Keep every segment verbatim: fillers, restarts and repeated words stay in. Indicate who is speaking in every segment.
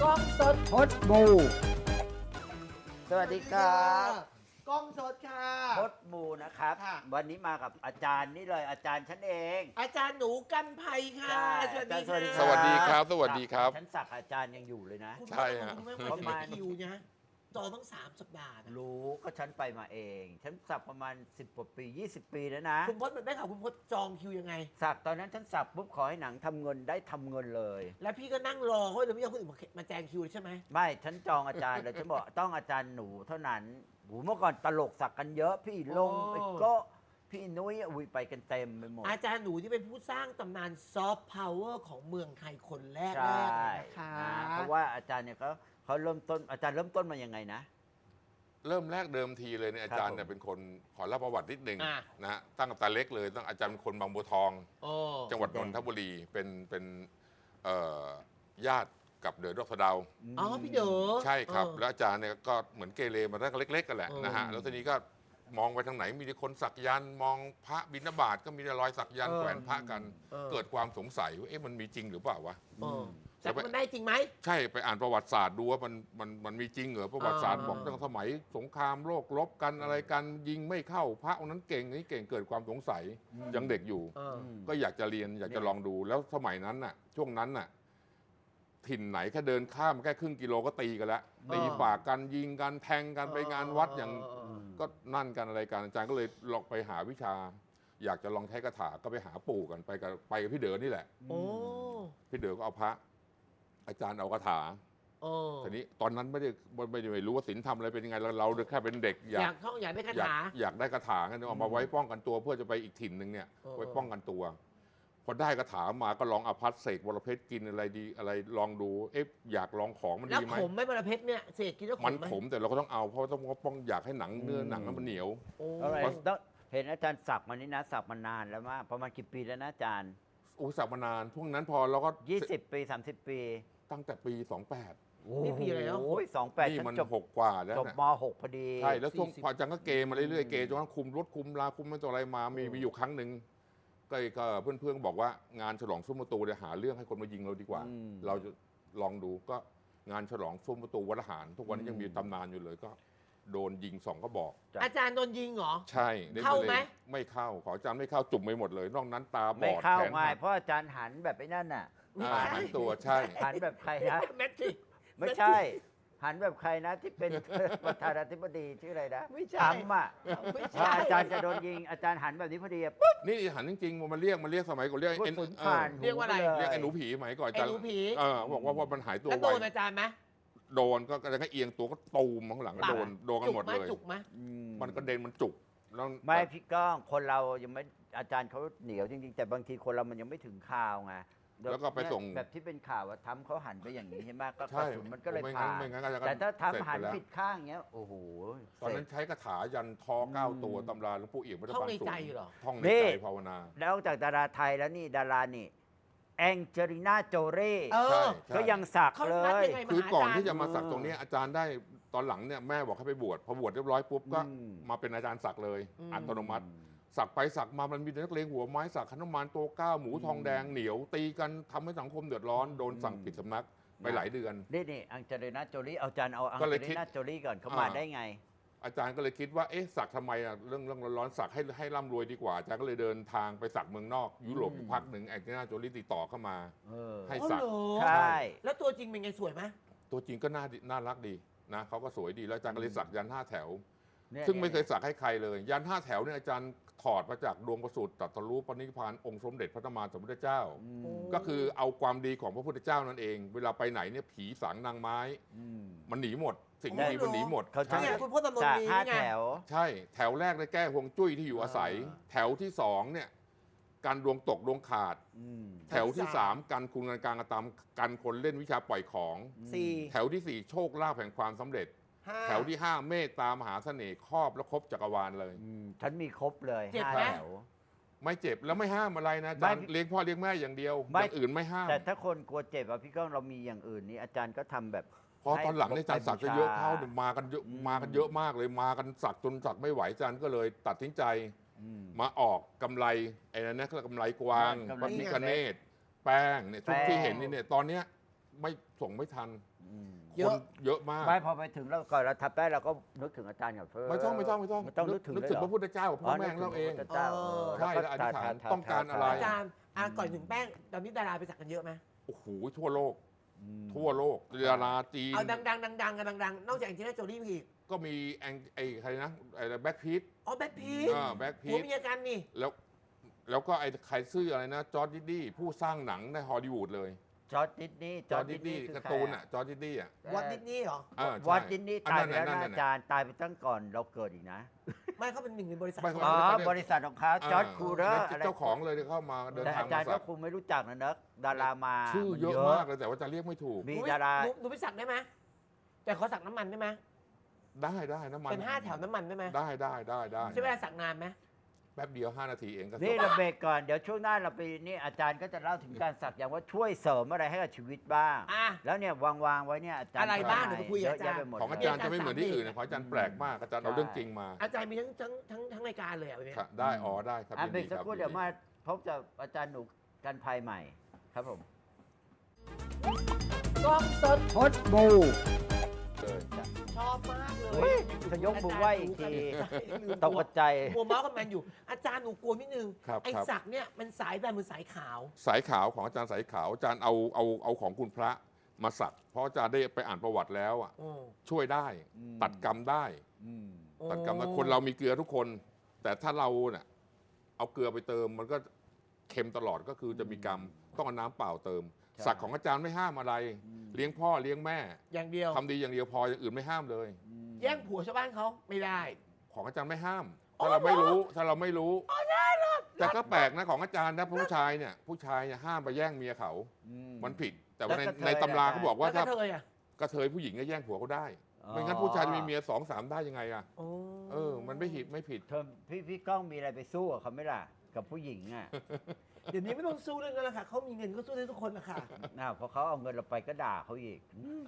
Speaker 1: กล้องสด
Speaker 2: พดบูสวัสดีครับ
Speaker 1: กล้องสดค่ะ
Speaker 2: พดบูนะครับ
Speaker 1: ค่ะ
Speaker 2: วันนี้มากับอาจารย์นี่เลยอาจารย์ฉันเอง
Speaker 1: อาจารย์หนูกันภัยค่ะ
Speaker 2: ใช่
Speaker 1: สวัสดี
Speaker 2: อาจารย์
Speaker 1: ค่ะ
Speaker 2: สวัสดี
Speaker 3: ครับ สวัสดีครับ
Speaker 2: ฉันสักอาจารย์ยังอยู่เลยนะ
Speaker 1: คุณ
Speaker 3: ใช่ฮะ
Speaker 1: คุณไม่
Speaker 2: ประ
Speaker 1: มา
Speaker 2: มาณ
Speaker 1: คิวนะจองตั้งสามสัปดาห์นะ
Speaker 2: รู้ก็ฉันไปมาเอง ฉันสักประมาณสิบกว่าปียี่สิบปีแล้วนะ
Speaker 1: คุณพจน์ได้ข่าวคุณพจน์จองคิวยังไง
Speaker 2: สักตอนนั้นฉันสักปุ๊บขอให้หนังทำเงินได้ทำเงินเลย
Speaker 1: แล้วพี่ก็นั่งรอเขาเลยไม่ยอมคนอื่นมาแจงคิวใช่ไหม
Speaker 2: ไม่ฉันจองอาจารย์เลยฉันบอกต้องอาจารย์หนูเท่านั้นโหเมื่อก่อนตลกสักกันเยอะพี่ลงไอ้โก็พี่นุ้ยอุ้ยไปกันเต็มไปหมด
Speaker 1: อาจารย์หนูที่เป็นผู้สร้างตำนานซอฟต์พาวเวอร์ของเมืองไทยคนแรก
Speaker 2: ใช่
Speaker 1: แรกเลยนะคะ
Speaker 2: นะเพราะว่าอาจารย์เนี่ยเขาเขาเริ่มต้นอาจารย์เริ่มต้นมายังไงนะ
Speaker 3: เริ่มแรกเดิมทีเลยเนี่ยอาจารย์เนี่ย
Speaker 2: ผม
Speaker 3: เป็นคนขอเล่าประวัตินิดหนึ่ง
Speaker 1: อ่ะ
Speaker 3: นะฮะตั้งแต่เล็กเลยตั้งอาจารย์เป็นคนบางบัวทอง
Speaker 1: โอ้
Speaker 3: จังหวัดนนทบุรีเป็นเป็นเอ่อญาติกับเดอะดอกสะเดา
Speaker 1: อ๋อพี่เด๋อ
Speaker 3: ใช่ครับ
Speaker 1: เออ
Speaker 3: แล้วอาจารย์เนี่ยก็เหมือนเกเรมาตั้งแต่เล็กๆกันแหละ
Speaker 1: เออ
Speaker 3: นะฮะแล้วทีนี้ก็มองไปทางไหนมีแต่คนสักยันต์มองพระบิณฑบาตก็มีแต่รอยสักยันต์แขวนพระกัน
Speaker 1: เออ
Speaker 3: เกิดความสงสัยว่าเอ๊ะมันมีจริงหรือเปล่าวะ
Speaker 1: เออแต่มันได้จริงไหม
Speaker 3: ใช่ไปอ่านประวัติศาสตร์ดูว่ามันมันมันมีจริงเหรอประวัติศาสตร์
Speaker 1: อ่า
Speaker 3: บอกตั้งสมัยสงครามโลกรบกันอะไรกันยิงไม่เข้าพระองค์นั้นเก่งนี่เก่งเกิดความสงสัยยังเด็กอยู่
Speaker 1: เออ
Speaker 3: ก็อยากจะเรียนอยากจะลองดูแล้วสมัยนั้นน่ะ ช่วงนั้นน่ะ ถิ่นไหนแค่เดินข้ามแค่ครึ่งกิโลก็ตีกันแล้วตีฝากกันยิงกันแทงกันไปงานวัดอย่าง
Speaker 1: เออ
Speaker 3: ก็นั่นกันอะไรกันอาจารย์ก็เลยลองไปหาวิชา อยากจะลองใช้คาถาก็ไปหาปู่กันไปกับไปกับพี่เด๋อนี่แหละ
Speaker 1: โอ้
Speaker 3: พี่เด๋อก็เอาพระ อาจารย์เอาคาถา
Speaker 1: โอ้
Speaker 3: ทีนี้ตอนนั้นไม่ได้ไม่ได้รู้ว่าศีลธรรมอะไรเป็นยังไงเราเราแค่เป็นเด็กอาย
Speaker 1: อยาก กท่องอยากได้คา
Speaker 3: อยาก
Speaker 1: ถา
Speaker 3: อยากได้คาถากันเอามาไว้ป้องกันตัวเพื่อจะไปอีกถิ่นหนึ่งเนี่ย
Speaker 1: เออ
Speaker 3: ไว้ป้องกันตัว พอได้คาถามาก็ลองอภัสเสกวรเพชรกินอะไรดีอะไรลองดูเอ๊ะอยากลองของมัน
Speaker 1: แล้ว
Speaker 3: ดีไหม
Speaker 1: ขมไหม่บรเพชรเนี่ยเศษกินแล้วข
Speaker 3: มัน
Speaker 1: มไหม
Speaker 3: ขมแต่เราก็ต้องเอาเพราะต้องป้องอยากให้หนังเนื้อหนังนั้นมันเหนียว
Speaker 1: โอ้
Speaker 2: อะไรต้องเห็นอาจารย์สักมานี่นะสักมานานแล้วมากประมาณกี่ปีแล้วนะอาจารย์
Speaker 3: อุตส่าห์มานานพวกนั้นพอเราก็
Speaker 2: ยี่สิบปีสามสิบปี
Speaker 3: ตั้งแต่ปีสองแปด
Speaker 1: นี่ปีอะไรแล้ว
Speaker 2: โอ้ยสองแปด
Speaker 3: นี่
Speaker 2: ฉัน
Speaker 3: มัน
Speaker 2: จบ
Speaker 3: หกกว่าแล้ว
Speaker 2: จบ
Speaker 3: นะ
Speaker 2: มหกพอดี
Speaker 3: ใช่แล้วช่วง
Speaker 1: สี่สิบ
Speaker 3: พออาจารย์ก็เกมมาเรื่อยๆเกจนกระทั่งคุมรถคุมลาคุมไม่ตัวอะไรมามีมีอยู่ครั้งหนึ่งก็ก็เพื่อนๆบอกว่างานฉลองซุ้มประตูเนี่ยหาเรื่องให้คนมายิงเราดีกว่า
Speaker 2: อืม
Speaker 3: เราจะลองดูก็งานฉลองซุ้มประตูวัดทหาร ทุกวันนี้ยังมีตำนานอยู่เลยก็โดนยิงสองก็บอก
Speaker 1: อาจารย์โดนยิงเหรอ
Speaker 3: ใช่ด้
Speaker 1: เข้าไหม
Speaker 3: ลยไม่เข้าขออาจารย์ไม่เข้าจุ่มไปหมดเลย นอกนั้นตาบ
Speaker 2: ไม่
Speaker 3: อด
Speaker 2: เข้า
Speaker 3: แขน
Speaker 2: ไง
Speaker 3: หัก
Speaker 2: เพราะอาจารย์หันแบบไอ้นั่นน่ะ
Speaker 3: อ่าหันตัวใช่
Speaker 2: หันแบบใครนะ
Speaker 1: แมทริก
Speaker 2: ไม่ใช่ หันแบบใครนะที่เป็น ประธานาธิบดีชื่ออะไรนะ
Speaker 1: ไม่ใช่
Speaker 2: ทรัมป์อ่ะ
Speaker 1: ไม่
Speaker 2: พอ
Speaker 1: ใช่
Speaker 2: อาจารย์จะโดนยิงอาจารย์หันแบบนี้พอดีอะปุ๊บ
Speaker 3: นี่หันจริงๆมันเรียกมันเรียกสมัยก่อนเรียก
Speaker 2: กระ
Speaker 3: เอ็น
Speaker 2: สุน
Speaker 3: เอ
Speaker 2: ผ่า
Speaker 3: อน
Speaker 1: เรียกว่าอะไร
Speaker 2: หูปล
Speaker 3: เรียกไอ้หนูผีสมัยก่อนอา
Speaker 1: ไอ้
Speaker 3: จารย์
Speaker 1: หนูผี
Speaker 3: เออบอกว่าว่ามันหายตัว
Speaker 1: แล้ว
Speaker 3: ไว
Speaker 1: โดนอาจารย์ไหม
Speaker 3: โดนก็กระทั่งเอียงตัวก็ตูมข้างหลังก็โดนโดนกันหมดเลย
Speaker 1: จุกไหม
Speaker 2: อื
Speaker 3: มันกระเด็นมันจุกแล้ว
Speaker 2: ไม่พี่ก้องคนเรายังไม่อาจารย์เขาเหนียวจริงๆ แต่บางทีคนเรามันยังไม่ถึงข่าวไง
Speaker 3: แล้วก็ไปส่ง
Speaker 2: แบบที่เป็นข่าวว่าทำเขาหันไปอย่างนี้ใช่ไหมก็ก
Speaker 3: ใช่
Speaker 2: ระสุนมันก็เลย
Speaker 3: ไม่
Speaker 2: ผ่า
Speaker 3: งั้น
Speaker 2: น
Speaker 3: ไม่งั้นอาจารย์ก็
Speaker 2: แต่ถ้า
Speaker 3: เสร็จ
Speaker 2: ทำหัน
Speaker 3: ไปแล้ว
Speaker 2: ผิดข้างเงี้ยโอ้โห
Speaker 3: ตอนนั้นใช้คาถายันทอเก้าตัวตำราหลวงปู่เอี่ยมวัด
Speaker 1: ท่อง
Speaker 3: ปาง
Speaker 1: ใน
Speaker 3: สูง
Speaker 1: ใจเหรอ
Speaker 3: ท่องใน
Speaker 2: นี่
Speaker 3: ใจภาวนา
Speaker 2: แล้วจากดาราไทยแล้วนี่ดารานี่แองเจลิน่าโจเร่
Speaker 1: เออ
Speaker 3: ใช่
Speaker 2: ก็ยังสัก
Speaker 1: เขา
Speaker 2: เล
Speaker 1: นัด
Speaker 2: ย
Speaker 1: ยังไงมา
Speaker 3: คือ
Speaker 1: หา
Speaker 3: ก่อน
Speaker 1: อาจารย์
Speaker 3: ที่จะมาสักตรงเนี้ยอาจารย์ได้ตอนหลังเนี่ยแม่บอกให้ไปบวชพอบวชเรียบร้อยปุ๊บก็
Speaker 2: อืม
Speaker 3: มาเป็นอาจารย์สักเลย
Speaker 1: อืม
Speaker 3: อัตโนมัติ สักไปสักมามันมีแต่นักเลงหัวไม้สักขนมานโตเก้าหมูทองแดงเหนียว ตีกันทำให้สังคมเดือดร้อนโดนสั่งปิดสำนักไปหลายเดือน
Speaker 2: นี่นี่อังเจลิน่าโจลี่เอาอาจารย์เอาอัง
Speaker 3: ก็
Speaker 2: เจ
Speaker 3: เลย
Speaker 2: ลิ
Speaker 3: คิด
Speaker 2: น่าโจลี่ก่อนเขามา
Speaker 3: อ่า
Speaker 2: ได้ไง
Speaker 3: อาจารย์ก็เลยคิดว่าเอ๊ะสักทำไมอ่ะเรื่องเรื่องร้อนๆสักให้ให้ร่ำรวยดีกว่าอาจารย์ก็เลยเดินทางไปสักเมืองนอกยุโรปอยู่พักหนึ่งแองเจลิน่าโจลี่ติดต่อเข้ามา
Speaker 2: เออ
Speaker 3: ให้
Speaker 1: อ๋อ
Speaker 3: สัก
Speaker 1: เหรอ
Speaker 2: ใช่
Speaker 1: แล้วตัวจริงเป็นไงสวยไหม
Speaker 3: ตัวจริงก็น่าดีน่ารักดีนะเขาก็สวยดีแล้วอาจารย์ก็เลยสักยันห้าแถว
Speaker 2: นี่
Speaker 3: ซึ่งไม่เคยสักให้ใครเลย ยันห้าแถวเนี่ยอาจารย์ถอดมาจากดวงประสูติตรัสรู้ปณิพพานองค์สมเด็จพระธรรมาสมพุทธเจ้า
Speaker 2: อื
Speaker 1: โอ้
Speaker 2: ม
Speaker 3: ก็คือเอาความดีของพระพุทธเจ้านั่นเอง เวลาไปไหนเนี่ยผีสางนางไม้
Speaker 2: อืม
Speaker 3: มันหนีหมด สิ่งไม่ดีมันหนีหมด
Speaker 2: เขา
Speaker 3: ใช่
Speaker 1: เนี่ยคุณพ่อตำนน
Speaker 2: จาก
Speaker 1: มี
Speaker 2: ห้า
Speaker 1: นี่ไง
Speaker 2: แถว
Speaker 3: ใช่ แถวแรกได้แก้ห่วงจุ้ยที่อยู่อาศัย
Speaker 1: อ่า
Speaker 3: แถวที่สองเนี่ยการดวงตกดวงขาด
Speaker 2: อืม
Speaker 3: แถวที่สามการคุณการกลางกระตำกันคนเล่นวิชาปล่อยของ
Speaker 1: สี่
Speaker 3: แถวที่สี่โชคลาภแห่งความสำเร็จ
Speaker 1: ห้า
Speaker 3: แถวที่ห้าเมตตามหาเสน่ห์ครอบและครบจักรวาลเลย
Speaker 2: อืมฉันมีครบเลย
Speaker 1: เจ็บ
Speaker 2: ห้า
Speaker 1: ไหม
Speaker 2: แถว
Speaker 3: ไม่เจ็บแล้วไม่ห้ามอะไรนะอาจารย์
Speaker 2: ไม่
Speaker 3: เลี้ยงพ่อเลี้ยงแม่อย่างเดียว
Speaker 2: ไม่
Speaker 3: อย่างอื่นไม่ห้าม
Speaker 2: แต่ถ้าคนกลัวเจ็บอะพี่ก้องเรามีอย่างอื่นนี่อาจารย์ก็ทำแบบ
Speaker 3: พอตอนหลังเนี่ยอาจารย์สักจะเยอะเข้าเนี่ยมากันเยอะ
Speaker 2: อืม
Speaker 3: มากันเยอะมากเลยมากันสักจนสักไม่ไหวอาจารย์ก็เลยตัดสินใจ
Speaker 2: อืม
Speaker 3: มาออกกำไรไอ้นั่นนะคือกำไรกวาง
Speaker 2: กำ
Speaker 3: พ
Speaker 2: ไร
Speaker 3: ระพิคเนตแป้งเนี่ยทุก
Speaker 2: แป้ง
Speaker 3: ที่เห็นนี่เนี่ยตอนเนี้ยไม่ส่งไม่ทัน
Speaker 2: อืม
Speaker 1: เย
Speaker 3: ค
Speaker 1: อะ
Speaker 3: นเยอะมาก
Speaker 2: ไม่พอไปถึงแล้วก่อนเราทับได้เราก็นึกถึงอาจารย์กับเพื่อน
Speaker 3: ไม่ต้องไม่ต้องไม่ต้อง
Speaker 2: ไม่ต้องนึกถึง
Speaker 3: นึก
Speaker 2: เลย
Speaker 3: ถึง
Speaker 2: เหร
Speaker 3: พระพุทธเจ้ากับพ่อแม่ของเราเอง
Speaker 2: นึกถึพระพุทธเจ้า
Speaker 1: เออ
Speaker 3: ใช่แล้วอธิษฐานต้องการอะไร
Speaker 1: อาจารย์อ่ะก่อนถึงแป้งตอนนี้ดาราไปสักกันเยอะไหม
Speaker 3: โอ้โหทั่วโลก
Speaker 2: อืม
Speaker 3: ทั่วโลกดาราจีน
Speaker 1: เอาดังๆดังๆกันดังๆนอกจากแองเจลิน่าโจลี่มีอีก
Speaker 3: ก็มีแองไอ้ใครนะไอ้แบ็คพีท
Speaker 1: อ๋อแบทพีท
Speaker 3: อ่าแบ็คพี
Speaker 1: ผัว
Speaker 3: ท
Speaker 1: เมียกันนี่
Speaker 3: แล้วแล้วก็ไอ้ใครซื่ออะไรนะจอร์ดดิดดี้ผู้สร้างหนังในฮอลลีวูดเลย
Speaker 2: จอร์จดิสนีย์
Speaker 3: จอร์ดดิดดี้
Speaker 2: คือ
Speaker 3: การ์
Speaker 2: ใค
Speaker 3: ตูน
Speaker 2: อะ
Speaker 3: อ่ะจอร์ดดิดดี้อ่ะ
Speaker 1: วอตดิสนีย์เหรอ
Speaker 3: อ่าใช่
Speaker 2: วอตดิสนีย์
Speaker 3: อัน
Speaker 2: ตาย
Speaker 3: นั้น
Speaker 2: ไปแล้ว
Speaker 3: นั่น
Speaker 2: นะ
Speaker 3: นั่น
Speaker 2: อาจารย์ตายไปตั้งก่อนเราเกิดอีกนะ
Speaker 1: ไม่เขาเป็นหนึ่งในบริษัท
Speaker 3: ไม่
Speaker 1: ของ
Speaker 3: เขา
Speaker 2: อ๋อ
Speaker 1: เขา
Speaker 2: บริษัทของเขาจอร์จคูเรอร์
Speaker 3: เจ้าของเลยที่เข้ามาเดิน
Speaker 2: แต่
Speaker 3: ทาง
Speaker 2: อาจารย์
Speaker 3: มา
Speaker 2: ก็
Speaker 3: สัก
Speaker 2: คงไม่รู้จักนะเนอะดารามา
Speaker 3: ชื่อ
Speaker 2: มัน
Speaker 3: เยอะมากเลยแต่ว่าจะเรียกไม่ถูก
Speaker 2: มี
Speaker 1: หนู
Speaker 2: ดารา
Speaker 1: หนูหนูไปสักได้ไหมแต่ขอสักน้ำมันได้ไหม
Speaker 3: ได้ได้น้ำมัน
Speaker 1: เป็นห้าแถวน้ำมันได้ไหม
Speaker 3: ได้ได้ได้ได้
Speaker 1: ใช้เวลาสักนานไหม
Speaker 3: แป๊บเดียวห้านาทีเองก็
Speaker 2: นี่
Speaker 3: จบ
Speaker 2: เราเบรกก่อนเดี๋ยวช่วงหน้าเราไปนี่อาจารย์ก็จะเล่าถึงการสักอย่างว่าช่วยเสริมอะไรให้กับชีวิตบ้าง
Speaker 1: อ่ะ
Speaker 2: แล้วเนี่ยวางวางๆไว้เนี่ยอาจารย์
Speaker 1: อะไรบ้าง
Speaker 2: ทำ
Speaker 1: เดี๋ยวไปคุยกับ
Speaker 2: เยอะแยะ
Speaker 1: อาจารย์
Speaker 2: ไปหมด
Speaker 3: ของอา
Speaker 2: เล
Speaker 3: จารย์จะไม่เหมือนที่อื่นนะของอาจารย์แปลกมากอาจารย์เอาเรื่องจริงมา
Speaker 1: อาจารย์มีทั้งทั้งทั้งทั้งรายการเลยอ่ะวันนี้
Speaker 3: ครับได้อ๋อได้ครับ
Speaker 2: อ่ะ
Speaker 3: ยิน
Speaker 2: เบร
Speaker 3: ดี
Speaker 2: กสัก
Speaker 3: ครับ
Speaker 2: ครู่เดี๋ยวมาพบกับอาจารย์หนูกันภัยใหม่ครับผม
Speaker 1: กล้องสด
Speaker 2: พดบู
Speaker 3: เลย
Speaker 1: ชอบมากเล
Speaker 2: เฮ้
Speaker 1: ย
Speaker 2: ยจะยกมือไหว้อีกทีตกใจ
Speaker 1: กลัวเมาส์กับแมนอยู่ อาจารย์หนูกลัวนิดนึง
Speaker 3: ครับ
Speaker 1: ไอ้
Speaker 3: ครับ
Speaker 1: สักเนี่ยมันสายแบบมือสายขาว
Speaker 3: สายขาวของอาจารย์สายขาวอาจารย์เอาเอาเอาของคุณพระมาสักเพราะอาจารย์ได้ไปอ่านประวัติแล้วอ่ะ
Speaker 1: โอ้
Speaker 3: ช่วยได้
Speaker 2: อืม
Speaker 3: ตัดกรรมได้
Speaker 2: อืม
Speaker 3: ตัดกรรมได้คนเรามีเกลือทุกคน แต่ถ้าเราเนี่ยเอาเกลือไปเติมมันก็เค็มตลอดก็คือจะมีกรรมต้องเอาน้ำเปล่าเติม
Speaker 2: ใช่
Speaker 3: สักของอาจารย์ไม่ห้ามอะไร
Speaker 2: อืม
Speaker 3: เลี้ยงพ่อเลี้ยงแม่
Speaker 1: อย่างเดียว
Speaker 3: ทำดีอย่างเดียวพออย่างอื่นไม่ห้ามเลย
Speaker 2: อืม
Speaker 1: แย่งผัวชาวบ้านเขาไม่ได้
Speaker 3: ของอาจารย์ไม่ห้าม
Speaker 1: อ๋อ
Speaker 3: ถ้าเราไม่
Speaker 1: เหรอ
Speaker 3: รู้ถ้าเราไม่รู้แต่ก็แปลกนะของอาจารย์นะผู้ชายเนี่ยผู้ชายเนี่ยห้ามไปแย่งเมียเขา
Speaker 2: อื
Speaker 3: มันผิด แต่ว่าใน
Speaker 2: แล้วกระเทย
Speaker 3: ในตำรา
Speaker 2: ล่ะ
Speaker 3: เขาบอกว่า
Speaker 1: แล้วก็
Speaker 3: ถ้า
Speaker 1: เธออ่ะ
Speaker 3: กระเทยผู้หญิงก็แย่งผัวเขาได้
Speaker 2: อ๋อ
Speaker 3: ไม่งั้นผู้ชายจะมีเมียสองสามได้ยังไงอะ
Speaker 1: โอ้
Speaker 3: เออ มันไม่ผิดไม่ผิด
Speaker 2: เธอพี่พี่ก้องมีอะไรไปสู้กับเขาไหมล่ะ กับผู้หญิงอ่ะ
Speaker 1: เดี๋ยวนี้ไม่ต้องสู้เรื่องนั้นแล้วค่ะเขามีเงินก็สู้ได้ทุกคนนะคะ
Speaker 2: น่าพอเขาเอาเงินเราไปก็ด่าเขาอีก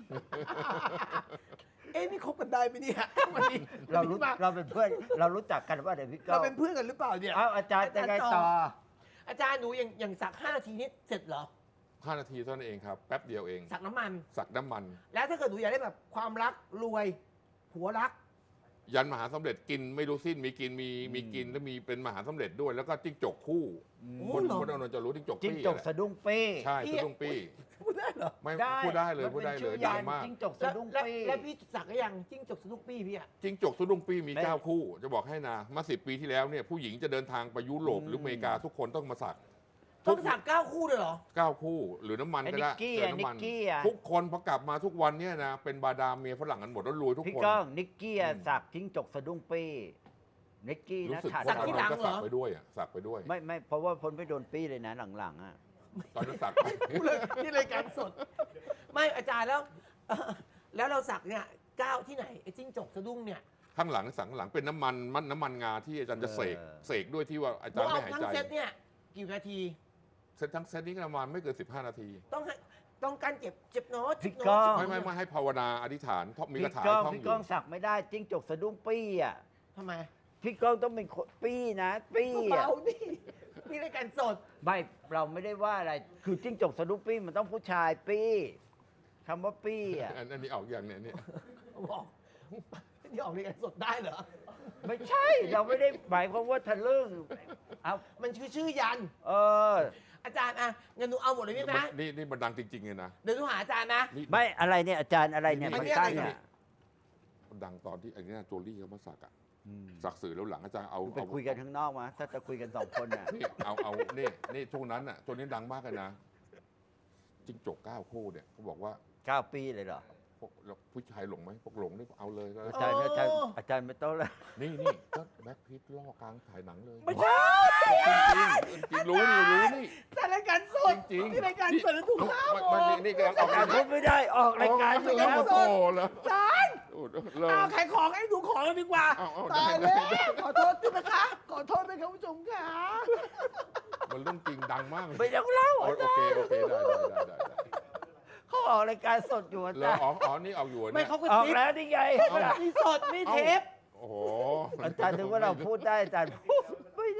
Speaker 1: เอ๊ะนี่คบกันได้ไหมเนี่ยวันนี้
Speaker 2: เรารู้
Speaker 1: วันนี้มา
Speaker 2: เราเป็นเพื่อนเรารู้จักกันว่าเดี๋ยวพี่ก้
Speaker 1: เรา
Speaker 2: อง
Speaker 1: เป็นเพื่อนกันหรือเปล่าเนี่ย
Speaker 2: เอ้าอาจารย์จะไงต่อ
Speaker 1: อาจารย์หนูอย่างอย่างสักห้านาทีนี้เสร็จเหรอ
Speaker 3: ห้านาทีเท่านั้นเองครับ แป๊บเดียวเอง
Speaker 1: สักน้ำมัน
Speaker 3: สักน้ำมัน
Speaker 1: แล้วถ้าเกิดหนูอยากได้แบบความรักรวยผัวรัก
Speaker 3: ยันมหาสำเร็จกินไม่รู้สิ้นมีกินมีมีกินแล้วมีเป็นมหาสำเร็จด้วย แล้วก็จิ้งจกคู่
Speaker 1: โอ้
Speaker 3: คน
Speaker 1: เหรอ
Speaker 3: คนเอานนจะรู้จิ้งจก
Speaker 2: จิ้ง
Speaker 3: ปี้
Speaker 2: จก
Speaker 3: แหละ
Speaker 2: สะดุ้งปี้
Speaker 3: ใช่สะดุ้งปี้
Speaker 1: พูดได้เหรอ
Speaker 3: ไม่พูดได้เลยพูดได้เลย
Speaker 2: มันป็นชื่อ
Speaker 3: ดั
Speaker 2: ยาง น
Speaker 3: มาก
Speaker 2: จิ้งจก
Speaker 1: แล้
Speaker 2: สะ
Speaker 1: ว
Speaker 2: ดุ้ง
Speaker 1: แล้ว
Speaker 2: ปี้
Speaker 1: แล้วพี่สักก็ยังจิ้งจกสนุกปี้พี่อะ
Speaker 3: จิ้งจกสะดุ้งปี้มี
Speaker 2: ไม่
Speaker 3: เก้าคู่ จะบอกให้นะมาสิบปีที่แล้วเนี่ยผู้หญิงจะเดินทางไปยุโรปหรืออเมริกาทุกคนต้องมาสัก
Speaker 1: ต้องสักเก้าคู่เลยเหรอ
Speaker 3: เก้าคู่ หรือน้ำมัน
Speaker 2: ไอ้
Speaker 3: ก็
Speaker 2: นิ
Speaker 3: ได้
Speaker 2: กกี้
Speaker 3: เติ
Speaker 2: อะ
Speaker 3: ม
Speaker 2: นิ
Speaker 3: น้ำมั
Speaker 2: ก
Speaker 3: น
Speaker 2: กี้อะ
Speaker 3: ทุกคนพอกลับมาทุกวันเนี่ยนะเป็นบาดาลเมียฝรั่งกันหมดแล้วรวยทุก
Speaker 2: พี่
Speaker 3: คน
Speaker 2: ก้องนิกกี้อะ
Speaker 3: อืม
Speaker 2: สักจิ้งจกสะดุ้งปี้นิกกี้
Speaker 3: รู้
Speaker 2: นะ
Speaker 3: สึก
Speaker 2: ขาด
Speaker 3: ว่า
Speaker 1: สักที่หลัง
Speaker 3: ก็
Speaker 1: เหรอ
Speaker 3: สักไปด้วยอ่ะสักไปด้วย
Speaker 2: ไม่ไม่เพราะว่าพ้นไปโดนปี้เลยนะหลังๆอ่ะ
Speaker 3: ตอนนั้นสัก
Speaker 1: พูดเลยนี่รายการสด ไม่อาจารย์แล้วเอ่อแล้วเราสักเนี่ยก้าวที่ไหนไอ้จิ้งจกสะดุ้งเนี่ย
Speaker 3: ข้างหลังสังหลังเป็นน้ำมันมันน้ำมันงาที่อาจารย์จะเสก
Speaker 2: เออ
Speaker 3: เสกด้วยที่ว่าอา
Speaker 1: หนู
Speaker 3: จารย์
Speaker 1: เอา
Speaker 3: ไม่หาย
Speaker 1: ทั้ง
Speaker 3: ใจ
Speaker 1: เซตเนี่ยกี่นาที
Speaker 3: เซตทั้งเซตนี้ก็ประมาณไม่เกินสิบห้านาที
Speaker 1: ต้องให้ต้องการเจ็บเจ็บโน้ต
Speaker 2: พี่
Speaker 1: เจ็บ
Speaker 2: ก้
Speaker 1: โน้
Speaker 2: อ
Speaker 1: ต
Speaker 2: ง
Speaker 3: ไม่ไม่ไม่ให้ภาวนาอธิษฐานท่องมี
Speaker 2: พี่
Speaker 3: คาถา
Speaker 2: ก้อง
Speaker 3: ท่อง
Speaker 2: พี่
Speaker 3: อยู่
Speaker 2: ก้องสักไม่ได้จิ้งจกสะดุ้งปี้อ่ะ
Speaker 1: ทำไม
Speaker 2: พี่ก้องต้องเป็นคนปี้นะปี้อ่ะ
Speaker 1: เบาๆดินี่รายการสด
Speaker 2: ไม่เราไม่ได้ว่าอะไรคือจิ้งจกสะดุ้งปี้มันต้องผู้ชายปี้คำว่าปี้อ่ะ
Speaker 3: อันอันนี้ออกอย่างเนี้ยเนี่ย
Speaker 1: บอกนี่ออกรายการสดได้เหรอ
Speaker 2: ไม่ใช่เราไม่ได้หมายความว่าทะลึ่งเอา
Speaker 1: มันชื่อชื่อยัน
Speaker 2: เออ
Speaker 1: อาจารย์อ่ะงั้นหนูเอาหมดเลยพี่นะ
Speaker 3: นี่นี่มันดังจริงๆเลยนะ
Speaker 1: เดี๋ยวหนูหาอาจารย์นะ
Speaker 3: นี่
Speaker 2: ไม่อะไรเนี่ยอาจารย์อะไรเนี่ย
Speaker 1: อัน
Speaker 2: มัน
Speaker 1: นี้
Speaker 2: ตั้ง
Speaker 1: อะไรเนี่
Speaker 2: เนี่ย ย
Speaker 3: มันดังตอนที่ไอ้เนี่ยโจลี่เขามาสักอะ
Speaker 2: อืม
Speaker 3: สักสื่อแล้วหลังอาจารย์เอา
Speaker 2: ไป
Speaker 3: เอา
Speaker 2: คุยกันข้างนอกมาถ้าจะคุยกันสองคนน่ะ
Speaker 3: นี่เอาเอานี่นี่ช่วงนั้นอ่ะช่วงนี้ดังมากเลยนะจิ้งจกเก้าคู่เนี่ยเขาบอกว่า
Speaker 2: เก้าปีเลยเหรอ
Speaker 3: พวกแล้วผู้ชายหลงไหมพวกหลงนี่เอาเลยก็
Speaker 2: อาจารย์อาจารย์อาจารย์ไม่ต้องแล้ว
Speaker 3: นี่นี่ก็แบ็คพิทล่อกลางถ่ายหนังเลย
Speaker 1: ไม่ใช่
Speaker 3: จริงๆจริงๆรู้นี่รู้นี่
Speaker 1: แต่รายการสด
Speaker 3: จริงๆ
Speaker 1: ที่รายการสดแล้วถูกห้าม
Speaker 3: มัน
Speaker 1: อ
Speaker 3: มัน
Speaker 1: อก
Speaker 3: นี่นี่กำลังออก
Speaker 2: อาจารย์พูดไม่ได้ออกรายการอยู่
Speaker 3: แล้
Speaker 2: แล้ว ว
Speaker 3: มาโตแล้ว
Speaker 1: อาจารย์
Speaker 3: โอ้โหเริ่ม
Speaker 1: เอาขายของให้หนูของกันดีกว่า
Speaker 3: เอาเอา
Speaker 1: ตาย
Speaker 3: ได้
Speaker 1: แล้ว ขอโทษด้วยนะคะ ขอโทษด้วยครับผู้ชมค่ะ
Speaker 3: มันเรื่องจริงดังมากเลย
Speaker 2: ไม่ต้องเล่า
Speaker 3: โอ
Speaker 2: อา
Speaker 3: เค
Speaker 2: จารย์
Speaker 3: โอเคได้ได้ได้ได้ได้
Speaker 2: เขาออกรายการสดอยู่อา
Speaker 3: แล้
Speaker 2: จาว รย์
Speaker 3: อ๋ออ๋อนี่ออกอยู่
Speaker 1: ไม่
Speaker 3: เนี่ย
Speaker 1: เขาก็
Speaker 2: ออก
Speaker 1: ซิป
Speaker 2: แล้วนี่ไง
Speaker 1: มีสดมีเทป
Speaker 3: โอ้โห
Speaker 2: อาจารย์นึกว่าเราพูดได้อาจารย์พูดไม่ได้อ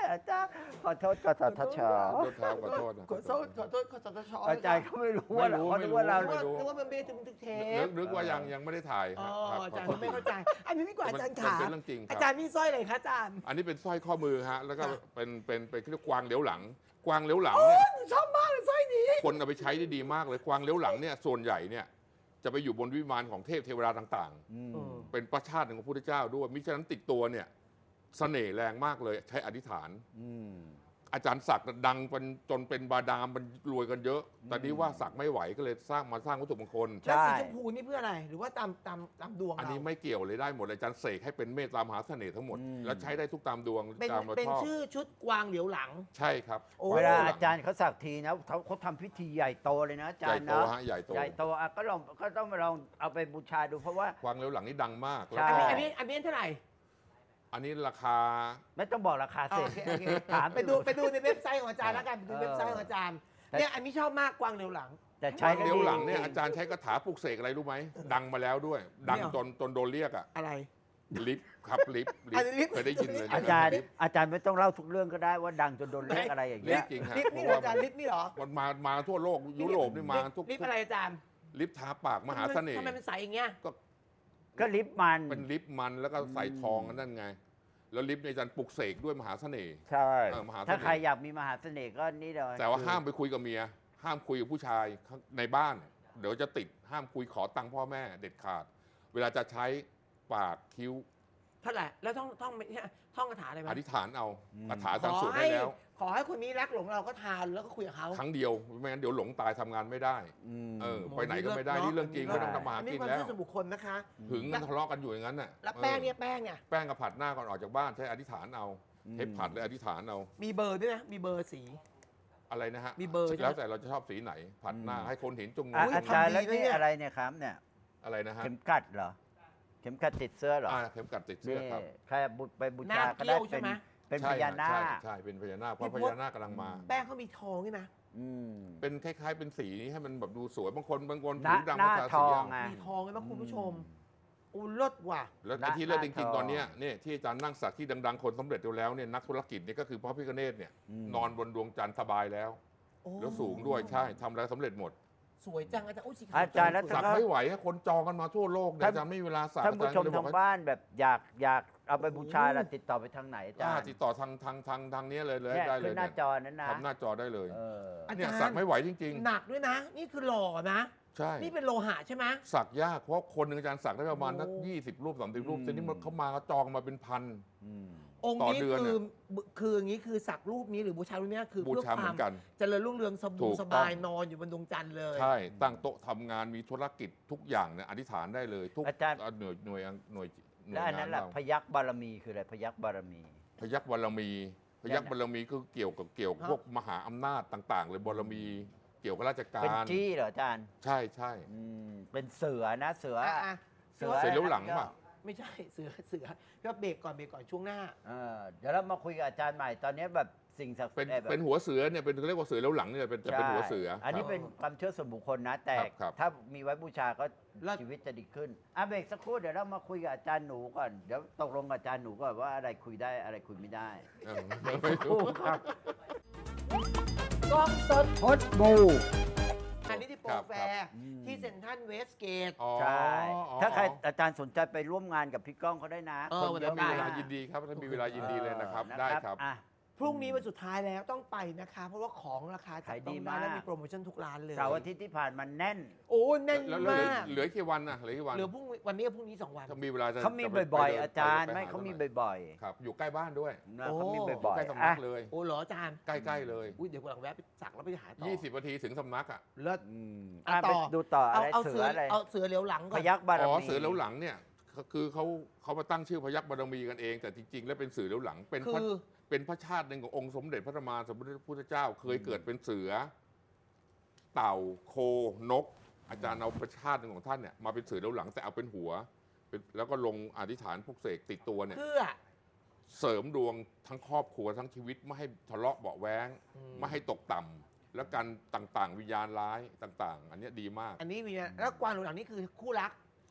Speaker 2: อาจารย์ขอโทษกสทช
Speaker 3: ขอโทษครับขอโทษนะ
Speaker 1: ขอโทษขอโทษขอสตช
Speaker 2: อาจารย์เขาไม่รู้ว่าเรา
Speaker 3: ไม่
Speaker 2: เขา
Speaker 3: รู้
Speaker 2: คิดว่าเรา
Speaker 1: นึก
Speaker 3: ไม่
Speaker 1: ว่า
Speaker 3: รู้
Speaker 1: นึกว่ามันไม่ได้ถึงทึกเท
Speaker 3: นึ
Speaker 1: ป
Speaker 3: กนึกว่ายังยังไม่ได้ถ่าย
Speaker 1: อ๋อ
Speaker 3: ครับ
Speaker 1: อาจารย์
Speaker 3: ขอโทษ
Speaker 1: ไม่เข้าใจ อันนี้ดีกว่าอาจารย์
Speaker 3: มัน
Speaker 1: ขา
Speaker 3: เป็นเรื่องจริงค
Speaker 1: อา
Speaker 3: รับ
Speaker 1: จารย์นี่สร้อยอะไรคะอาจารย์
Speaker 3: อันนี้เป็นสร้อยข้อมือฮะแล้วก็
Speaker 1: ค่ะ
Speaker 3: เป็นเป็นเป็นเรียกกวางเลี้ยวหลัง กวางเลี้ยวหลังเนี่ย
Speaker 1: หนูชอบมากเลยสร้อยนี้
Speaker 3: คนเอาไปใช้ได้ดีมากเลยกวางเลี้ยวหลังเนี่ยส่วนใหญ่เนี่ยจะไปอยู่บนวิมานของเทพเทวดาต่าง
Speaker 2: อืม
Speaker 1: เออ
Speaker 3: ๆ เป็นประชาติหนึ่งของพระพุทธเจ้าด้วยมิฉะนั้นติดตัวเนี่ยเสน่ห์แรงมากเลยใช้อธิษฐาน
Speaker 2: อืม
Speaker 3: อาจารย์ศักดิ์ดังเป็นจนเป็นบาดาลมันรวยกันเยอะ แต่นี้ว่าศักดิ์ไม่ไหวก็เลยสร้างมาสร้างวัตถุมงคล
Speaker 2: ใช่
Speaker 1: แล้วสีชมพูนี่เพื่ออะไร หรือว่าตามตามตามดวง
Speaker 3: อัน
Speaker 1: เรา
Speaker 3: นี้ไม่เกี่ยวเลยได้หมดเลยอาจารย์เสกให้เป็นเมตตามหาเสน่ห์ทั้งหมด
Speaker 2: อืม
Speaker 3: แล้วใช้ได้ทุกตามดวง
Speaker 1: เป็น
Speaker 3: ตามเรา
Speaker 1: เป็น
Speaker 3: ชอบ
Speaker 1: ชื่อชุดกวางเหลียวหลัง
Speaker 3: ใช่ครับ
Speaker 1: โอ้
Speaker 2: เวลาอาจารย์เขาสักทีนะเขาเขาทำพิธีใหญ่โตเลยนะอาจา
Speaker 3: ใหญ่
Speaker 2: รย์
Speaker 3: โต
Speaker 2: เนาะ
Speaker 3: ฮะใหญ่โต
Speaker 2: ใหญ่โตอ่ะก็ลองก็ต้องมาลองเอาไปบูชาดูเพราะว่า
Speaker 3: กวางเลี้ยวหลังนี่ดังมาก
Speaker 2: ใช่
Speaker 3: แล้ว
Speaker 1: อัน
Speaker 3: ก็
Speaker 1: นี้อันนี้อันนี้เท่าไหร่
Speaker 3: อันนี้ราคา
Speaker 2: ไม่ต้องบอกราคา
Speaker 1: อ๋อ
Speaker 2: เสร็จ
Speaker 1: โอเคโอเค
Speaker 2: ถาม
Speaker 1: ไปดูไปดูในเว็บไซต์ของอาจารย์แล้วกันไปดู
Speaker 2: เออ
Speaker 1: เว็บไซต์ของอาจารย์
Speaker 2: แต่
Speaker 1: เนี่ยอันนี้ชอบมากกวางเหลียวหลัง
Speaker 2: แต่
Speaker 3: ก
Speaker 2: ใช้
Speaker 3: วาง
Speaker 2: แว
Speaker 3: เลี้ยวหลัง
Speaker 2: ดี
Speaker 3: เนี่ยอาจารย์ใช้คาถาปลุกเสกอะไรรู้ไหมดังมาแล้วด้วย ดัง
Speaker 1: เนี่ย
Speaker 3: จนจนโดนเรียกอะ
Speaker 1: อะไร
Speaker 3: ลิฟต์ครับลิฟต์ลิ
Speaker 1: อัน
Speaker 3: ฟ
Speaker 1: นี้
Speaker 3: ต์
Speaker 1: ลิฟต์
Speaker 3: เคยได้ยินเลยนะ
Speaker 2: อาจารย์
Speaker 3: ลิฟต์
Speaker 2: อาจารย์ไม่ต้องเล่าทุกเรื่องก็ได้ว่าดังจนโดนเรียกอะไรอย่าง
Speaker 3: ลิ
Speaker 2: เงี้
Speaker 3: ฟ
Speaker 2: ย
Speaker 3: ต์จริงฮะ
Speaker 1: ลิฟต์
Speaker 3: เพ
Speaker 1: นี่
Speaker 3: ราะ
Speaker 1: เหรอ
Speaker 3: ว่า
Speaker 1: อาจารย์ลิฟต์นี่เหรอ
Speaker 3: มันมามาทั่วโลกยุโรปนี่มาทุก
Speaker 1: ลิฟต์อะไรอาจารย์
Speaker 3: ลิฟต์ทาปากมหาเสน่ห์
Speaker 1: ทำไมมันใสอย่างเงี้ย
Speaker 2: ก็ลิฟต์มัน
Speaker 3: เป็นลิฟต์มันแล้วก็ใส่ทองนั่นไง แล้วลิฟต์ในยอาจารย์ปลุกเสกด้วยมหาเสน่ห์
Speaker 2: ใช่
Speaker 3: เออมหาเสน่ห์
Speaker 2: ถ้าใครอยากมีมหาเสน่ห์ก็นี่เลย
Speaker 3: แต่ว่าห้ามไปคุยกับเมีย ห้ามคุยกับผู้ชายข้างในบ้าน เดี๋ยวจะติดห้ามคุยขอตังค์พ่อแม่เด็ดขาด เวลาจะใช้ปากคิ้ว
Speaker 1: เท่าไหร่แล้วท่องท่องท่องคาถาอะไรไหม
Speaker 3: อธิษฐานเอา
Speaker 2: อืม
Speaker 3: คาถา
Speaker 1: ข
Speaker 3: อาจารย์
Speaker 1: อ
Speaker 3: สวด
Speaker 1: ให้
Speaker 3: ได้แล้ว
Speaker 1: ขอให้คนนี้รักหลงเราก็ทานแล้วก็คุยกับเขา
Speaker 3: ครั้งเดียวไม่งั้นเดี๋ยวหลงตายทำงานไม่ได้
Speaker 2: อืม
Speaker 3: เออ ไปไหนก็ไม่ได้นี่เรื่องจริง
Speaker 2: เนอะ
Speaker 3: ไม่ต้องทำมาหา
Speaker 1: อันนี้
Speaker 3: กิน
Speaker 1: ความ
Speaker 3: แล้ว
Speaker 1: เชื่อส่วนบุคคลนะคะ
Speaker 3: หึงกันทะเลาะกันอยู่อย่างนั้นน่ะ
Speaker 1: แล้วแป้งเนี่ย
Speaker 3: ออ
Speaker 1: แป้งเนี่ย
Speaker 3: แป้งกับผัดหน้าก่อนออกจากบ้านใช้อธิษฐานเอาใช้ผัดเลยอธิษฐานเอา
Speaker 1: มีเบอร์ด้วยนะมีเบอร์สี
Speaker 3: อะไรนะฮะ
Speaker 1: มีเบอร์ใช่ไหม
Speaker 3: แล้วแต่เราจะชอบสีไหน ผัดหน้าให้คนเห็นจงง
Speaker 2: อ่ะ
Speaker 3: ง
Speaker 2: อาจารย์
Speaker 1: ทำดี
Speaker 2: แล้ว
Speaker 1: นะ
Speaker 2: นี่
Speaker 1: เนี่ย
Speaker 2: อะไรเนี่ยครับเนี่ย
Speaker 3: อะไรนะฮะ
Speaker 2: เข็มกัดเหรอ เข็มกัดติดเสื้อเหรอ
Speaker 3: อ่าเข็มกัดติดเสื้
Speaker 2: นี่
Speaker 3: อครับ
Speaker 2: ใครบุไปบู
Speaker 1: หน้า
Speaker 2: ชาก็
Speaker 1: เกี้
Speaker 2: ได้
Speaker 1: ยวใช่
Speaker 2: เป็น
Speaker 1: ไหม
Speaker 2: เป็นพ
Speaker 3: ใช่
Speaker 2: ญานา
Speaker 3: ใช่
Speaker 2: ค
Speaker 3: ใช่เป็นพญานาคเพ
Speaker 1: พี่
Speaker 3: ราะ
Speaker 1: พ
Speaker 3: พ
Speaker 1: ศ
Speaker 3: ญานาคกำลังมา
Speaker 1: แป้งเขามีทองใช่ไหม
Speaker 2: อืม
Speaker 3: เป็นคล้ายๆเป็นสีนี้ให้มันแบบดูสวยบางคนบางคน
Speaker 2: หน้า
Speaker 3: ผิวดำ
Speaker 2: หน้า
Speaker 3: ภาษา
Speaker 2: ท
Speaker 3: สี
Speaker 2: อง
Speaker 3: อ่ะ
Speaker 2: ไง
Speaker 1: มีทองไหมคุณผู้ชมอู้เลิศว่ะ
Speaker 3: แล้ว
Speaker 2: หน้า
Speaker 3: ไอ้ที่เลิศ
Speaker 2: ห
Speaker 3: จ
Speaker 2: น้า
Speaker 3: ริง
Speaker 2: ทอง
Speaker 3: ๆตอนเนี้ยเนี่ยที่อาจารย์นั่งสักที่ดังๆคนสำเร็จแล้วเนี่ยนักธุรกิจเนี่ยก็คือพระพิฆเนศเนี่ย
Speaker 2: อืม
Speaker 3: นอนบนดวงจันทร์สบายแล้ว
Speaker 1: โอ้
Speaker 3: แล้วสูงด้วยใช่ทำอะไรสำเร็จหมด
Speaker 1: สวยจังอาจารย์อุ้ยสีขาว
Speaker 2: อาจารย์แล้ว
Speaker 1: สว
Speaker 3: สักไม่ไหวให้คนจองกันมาทั่วโลกเนี่ย
Speaker 2: ท่าน
Speaker 3: อาจารย์ไม่มีเวลาสัก
Speaker 2: ท่าน
Speaker 3: อา
Speaker 2: ผู้
Speaker 3: จารย์
Speaker 2: ชม
Speaker 3: ก็เลยบ
Speaker 2: ทา
Speaker 3: อก
Speaker 2: ง
Speaker 3: ว่า
Speaker 2: บ้านแบบอยากอยากเอาไปบูชาแล้วติดต่อไปทางไหนอาจาร
Speaker 3: อ่า
Speaker 2: ย์
Speaker 3: ติดต่อทางทางทางทางเนี้ยเลยเลย
Speaker 2: เนี่ย
Speaker 3: ได้เล
Speaker 2: ขึ้
Speaker 3: ย
Speaker 2: นหน้า
Speaker 3: เนี่ย
Speaker 2: จอนั้นนะ
Speaker 3: ทำหน้าจอได้เลย
Speaker 2: เออ
Speaker 1: อา
Speaker 3: เนี่ย
Speaker 1: จาร
Speaker 3: สัก
Speaker 1: ย์
Speaker 3: ไม่ไหวจริง
Speaker 1: หนักด้วยนะ นี่คือหล่อนะ
Speaker 3: ๆ ใช่
Speaker 1: นี่เป็นโลหะใช่ไหม
Speaker 3: สักยากเพราะคนหนึ่งอาจารย์สักได้ประมาณ
Speaker 1: โอ้
Speaker 3: สักยี่สิบรูปสามสิบรูป
Speaker 2: อืม
Speaker 3: ทีนี้มันเขามาเขาจองมาเป็นพัน
Speaker 2: อืม
Speaker 1: องค์
Speaker 3: ต่อ
Speaker 1: นี้
Speaker 3: เดือน
Speaker 1: คือ
Speaker 3: น่ะ
Speaker 1: คืออย่างนี้คือสักรูปนี้หรือบูชารูปนี้คือ
Speaker 3: บู
Speaker 1: เพื่อ
Speaker 3: ชา
Speaker 1: ค
Speaker 3: เหมื
Speaker 1: วาม
Speaker 3: อนกัน
Speaker 1: เจริญรุ่งเรืองส
Speaker 3: ถู
Speaker 1: บู่
Speaker 3: ก
Speaker 1: ส
Speaker 3: ต้อง
Speaker 1: บายนอนอยู่บนดวงจันทร์เลย
Speaker 3: ใช่ ตั้งโต๊ะทำงานมีธุรกิจทุกอย่างเนี่ยอธิษฐานได้เลย ทุก
Speaker 2: อาจารย์
Speaker 3: หน่วยหน่วยหน่วยหน่วย
Speaker 2: แล้วอัน
Speaker 3: งา
Speaker 2: นั้น
Speaker 3: น
Speaker 2: แหละ
Speaker 3: เรา
Speaker 2: พยักบารมีคืออะไรพยักบารมี
Speaker 3: พยักบารมี พยักบารมีก็เกี่ยวกับเกี่ยวกับพวกมหาอำนาจต่าง ๆ เลยบารมีเกี่ยวกับราชกา
Speaker 2: เป็น
Speaker 3: ร
Speaker 2: จี้เหรออาจารย์
Speaker 3: ใช่ใช่
Speaker 2: อืมเป็นเสือนะเสือ
Speaker 1: อ่ะอ่ะ
Speaker 2: เสือ
Speaker 3: เสร็จแล้วหลังป่ะ
Speaker 1: ไม่ใช่เสือเสือก็เบรกก่อนเบรกก่อนช่วงหน้า
Speaker 2: เออเดี๋ยวเรามาคุยกับอาจารย์ใหม่ตอนนี้แบบสิ่งศักดิ์สิ
Speaker 3: เป็
Speaker 2: ท
Speaker 3: น
Speaker 2: ธิ์แบบ
Speaker 3: เป็นหัวเสือเนี่ยเป็นเขาเรียกว่าเสือแล้วหลังเนี่ยเป็นแต่เป็นหัวเสือ
Speaker 2: ใช่อันนี้
Speaker 3: ครับ
Speaker 2: เป็นความเชื่อส่วนบุคคลนะ แต่
Speaker 3: ครับครับ
Speaker 2: ถ้ามีไว้บูชาก็
Speaker 1: แล้ว
Speaker 2: ชีวิตจะดีขึ้นอ่ะเบรกสักครู่เดี๋ยวเรามาคุยกับอาจารย์หนูก่อนเดี๋ยวตกลงกับอาจารย์หนูก่อนว่าอะไรคุยได้อะไรคุยไม่ได้
Speaker 3: เออไม่รู้
Speaker 2: ครับ
Speaker 1: กล้องสด
Speaker 2: พดบู
Speaker 1: อันนี้ที่โปร
Speaker 3: ครับ
Speaker 1: แฟ
Speaker 3: ครับ
Speaker 1: ร์ที่เซ็นทรัลเวสเกต
Speaker 3: อ๋อ
Speaker 2: ใช่
Speaker 3: อ๋อ
Speaker 2: ถ้าใครอาจารย์สนใจไปร่วมงานกับพี่ก้องเขาได้นะ
Speaker 1: เออ
Speaker 2: คนเยอะ
Speaker 1: วัน
Speaker 3: มี
Speaker 1: นั้น
Speaker 3: เวลา
Speaker 1: ได้
Speaker 3: ยินดีครับถ้ามีเวลายินดีเลยนะครับ
Speaker 2: ออ
Speaker 3: ได้ครับ
Speaker 2: อ่ะ
Speaker 1: พรุ่งนี้วันสุดท้ายแล้วต้องไปนะคะ เพราะว่าของราคาจับ
Speaker 2: ขาย
Speaker 1: ต้
Speaker 2: ดี
Speaker 1: องได้
Speaker 2: มาก
Speaker 1: และมีโปรโมชั่นทุกร้านเลย
Speaker 2: เสาร์อาทิตย์ที่ผ่านมาแน่น
Speaker 1: โอ้แน่น
Speaker 3: แล้วแล้วเหลือ
Speaker 1: มาก
Speaker 3: เหลือกี่วันนะเหลือกี่วัน
Speaker 1: เหลือพรุ่งวันนี้กับพรุ่งนี้สองวัน
Speaker 3: ถ้ามีเวลาจะ
Speaker 2: เขามี
Speaker 3: จะไป
Speaker 2: บ่อย
Speaker 3: ไป
Speaker 2: ๆ
Speaker 3: ดิน
Speaker 2: อาจารย์
Speaker 3: ป
Speaker 2: ไม่
Speaker 3: ห
Speaker 2: เขามี
Speaker 3: หน่อย
Speaker 2: บ่อย
Speaker 3: ครับ อยู่ใกล้บ้านด้วย
Speaker 2: ๆนะ
Speaker 1: โอ้
Speaker 2: เขามีบ่
Speaker 3: ใก
Speaker 2: อย
Speaker 3: ล้
Speaker 2: ๆ
Speaker 3: สำนั
Speaker 2: อ่ะ
Speaker 3: กเลย
Speaker 1: โอ้เหรออาจารย์
Speaker 3: ใกล้ๆเลย
Speaker 1: อุ้ยเดี๋ยววันหลังแวะไปสักแล้วไปหาต่อ
Speaker 3: ยี่สิบนาทีถึงสำนักอ่ะ
Speaker 1: เลิศ
Speaker 2: อืม
Speaker 1: อ่ะ
Speaker 2: อ่ะ
Speaker 1: ต่
Speaker 2: ไป
Speaker 1: อ
Speaker 2: ดูต่ออะ
Speaker 1: เอา
Speaker 2: ไร
Speaker 1: เอา
Speaker 2: เสื
Speaker 1: เสื
Speaker 2: อ
Speaker 1: อ
Speaker 2: อะไร
Speaker 1: เอาเสือเหลียวหลังก่
Speaker 2: พ
Speaker 1: อน
Speaker 2: ยักบาร
Speaker 3: อ๋อ
Speaker 2: มี
Speaker 3: เสือแล้วหลังเนี่ยก็คือเขาเขามาตั้งชื่อพยักบารมีกันเอง แต่จริง ๆ แล้วเป็นเสือแล้วหลังเป็นพระ
Speaker 1: คือ
Speaker 3: เป็นพระชาติหนึ่งขององค์สมเด็จพระธรรมาสมเด็จพระพุทธเจ้า เคยเกิดเป็นเสือ เต่าโคนก อาจารย์เอาพระชาติหนึ่งของท่านเนี่ยมาเป็นเสือแล้วหลังแต่เอาเป็นหัวเป็นแล้วก็ลงอธิษฐานพวกเสกติดตัวเนี่ย
Speaker 1: เพื่อ
Speaker 3: เสริมดวงทั้งครอบครัวทั้งชีวิตไม่ให้ทะเลาะเบาะแว้ง
Speaker 1: อืม
Speaker 3: ไม่ให้ตกต่ำแล้วการต่างๆ วิญญาณร้ายต่าง ๆ อันเนี้ยดีมาก
Speaker 1: อันนี้มีนะแล้วกวางเหลียวหลังนี่คือคู่รัก